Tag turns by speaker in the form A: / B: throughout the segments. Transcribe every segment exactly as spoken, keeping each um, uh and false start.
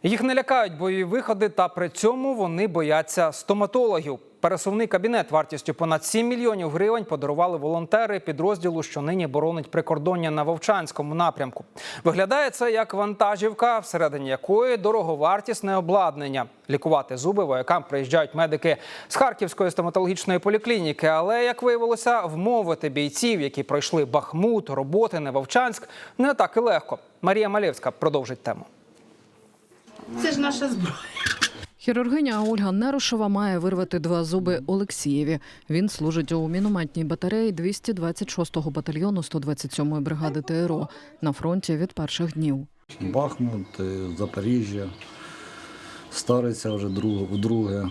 A: Їх не лякають бойові виходи, та при цьому вони бояться стоматологів. Пересувний кабінет вартістю понад сім мільйонів гривень подарували волонтери підрозділу, що нині боронить прикордоння на Вовчанському напрямку. Виглядає це як вантажівка, всередині якої дороговартісне обладнання. Лікувати зуби воякам приїжджають медики з Харківської стоматологічної поліклініки. Але, як виявилося, вмовити бійців, які пройшли Бахмут, роботи на Вовчанськ, не так і легко. Марія Малєвська продовжить тему.
B: Це ж наша зброя.
C: Хірургиня Ольга Нерошова має вирвати два зуби Олексієві. Він служить у мінометній батареї двісті двадцять шостого батальйону сто двадцять сьомої бригади ТРО на фронті від перших днів.
D: Бахмут, Запоріжжя, Стариця вже вдруге,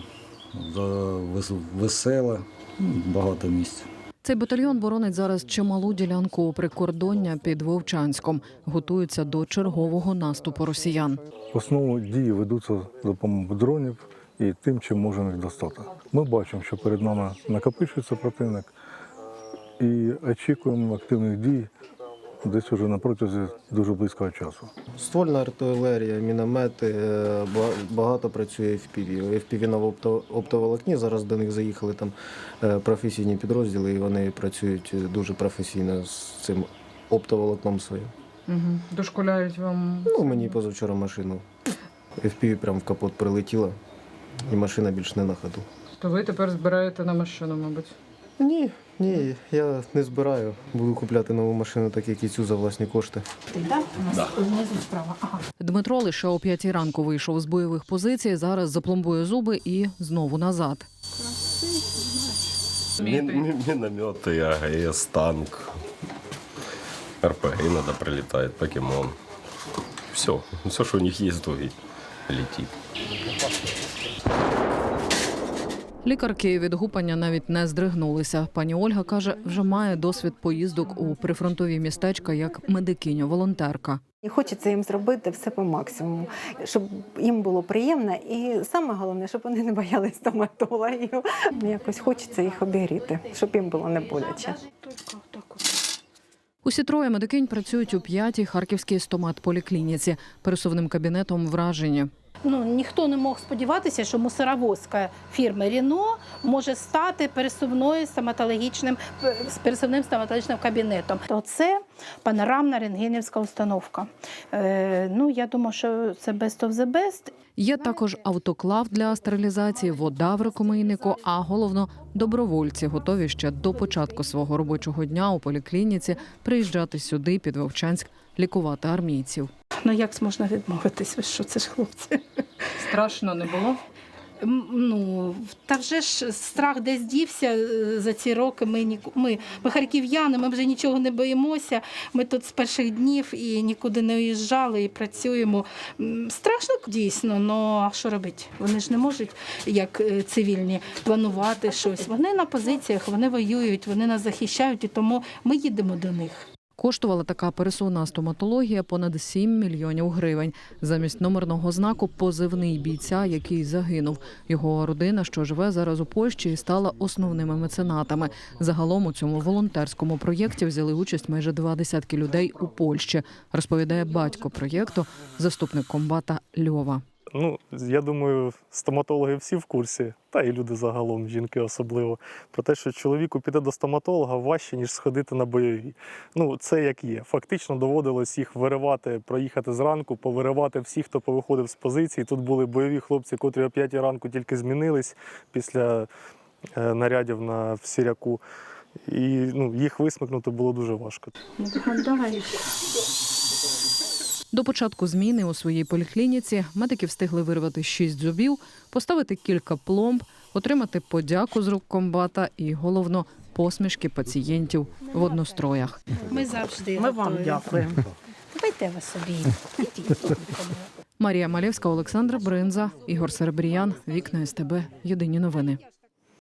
D: Веселе, багато місць.
C: Цей батальйон боронить зараз чималу ділянку прикордоння під Вовчанськом. Готується до чергового наступу росіян.
E: В основному дії ведуться за допомогою дронів і тим, чим можемо їх достати. Ми бачимо, що перед нами накопичується противник і очікуємо активних дій десь уже на протязі дуже близького часу.
F: Ствольна артилерія, міномети, багато працює еф пі ві. еф пі ві на оптоволокні, зараз до них заїхали там професійні підрозділи і вони працюють дуже професійно з цим оптоволокном своїм.
C: Угу. Дошколяють вам?
F: Ну, мені позавчора машину. еф пі ві прямо в капот прилетіла і машина більш не на ходу.
C: То ви тепер збираєте на машину, мабуть?
F: Ні, ні, я не збираю. Буду купляти нову машину, так як і цю за власні кошти.
B: Так, у нас внизу справа. Ага.
C: Дмитро лише о п'ятій ранку вийшов з бойових позицій, зараз запломбує зуби і знову назад.
G: Міномети, а ге ес, танк, ер пе ге іноді прилітає, покемон. Все, все, що у них є, то і летить.
C: Лікарки від гупання навіть не здригнулися. Пані Ольга каже, вже має досвід поїздок у прифронтові містечка як медикиня-волонтерка.
H: І хочеться їм зробити все по максимуму, щоб їм було приємно і саме головне, щоб вони не боялись стоматологів. Якось хочеться їх обігріти, щоб їм було не боляче.
C: Усі троє медикинь працюють у п'ятій харківській стоматполіклініці. Пересувним кабінетом вражені.
B: Ну, ніхто не мог сподіватися, що мусоровозка фірми «Рено» може стати пересувною стоматологічним, пересувним стоматологічним кабінетом. То це панорамна рентгенівська установка. Е, ну, я думаю, що це best of the best.
C: Є також автоклав для стерилізації, вода в рукомийнику, а головно – добровольці, готові ще до початку свого робочого дня у поліклініці приїжджати сюди, під Вовчанськ, лікувати армійців.
B: Ну, як можна відмовитись? Ви що, це ж хлопці?
C: Страшно не було?
B: Ну, та вже ж страх десь дівся за ці роки. Ми, ми, ми харків'яни, ми вже нічого не боїмося. Ми тут з перших днів і нікуди не уїжджали, і працюємо. Страшно дійсно, але що робити? Вони ж не можуть, як цивільні, планувати щось. Вони на позиціях, вони воюють, вони нас захищають, і тому ми їдемо до них.
C: Коштувала така пересувна стоматологія понад сім мільйонів гривень. Замість номерного знаку – позивний бійця, який загинув. Його родина, що живе зараз у Польщі, стала основними меценатами. Загалом у цьому волонтерському проєкті взяли участь майже два десятки людей у Польщі, розповідає батько проєкту, заступник комбата Льова.
E: Ну, я думаю, стоматологи всі в курсі, та і люди загалом, жінки особливо, про те, що чоловіку піти до стоматолога важче, ніж сходити на бойові. Ну, це як є. Фактично доводилось їх виривати, проїхати зранку, повиривати всіх, хто повиходив з позиції. Тут були бойові хлопці, котрі о п'ятій ранку тільки змінились після е, нарядів на Сіряку. І ну, їх висмикнути було дуже важко.
B: Давай.
C: До початку зміни у своїй поліклініці медики встигли вирвати шість зубів, поставити кілька пломб, отримати подяку з рук комбата і, головно, посмішки пацієнтів в одностроях.
B: Ми завжди
I: Ми вам дякуємо.
B: Давайте ви собі.
C: Марія Малєвська, Олександр Бринза, Ігор Серебріян, Вікна ес те бе, Єдині новини.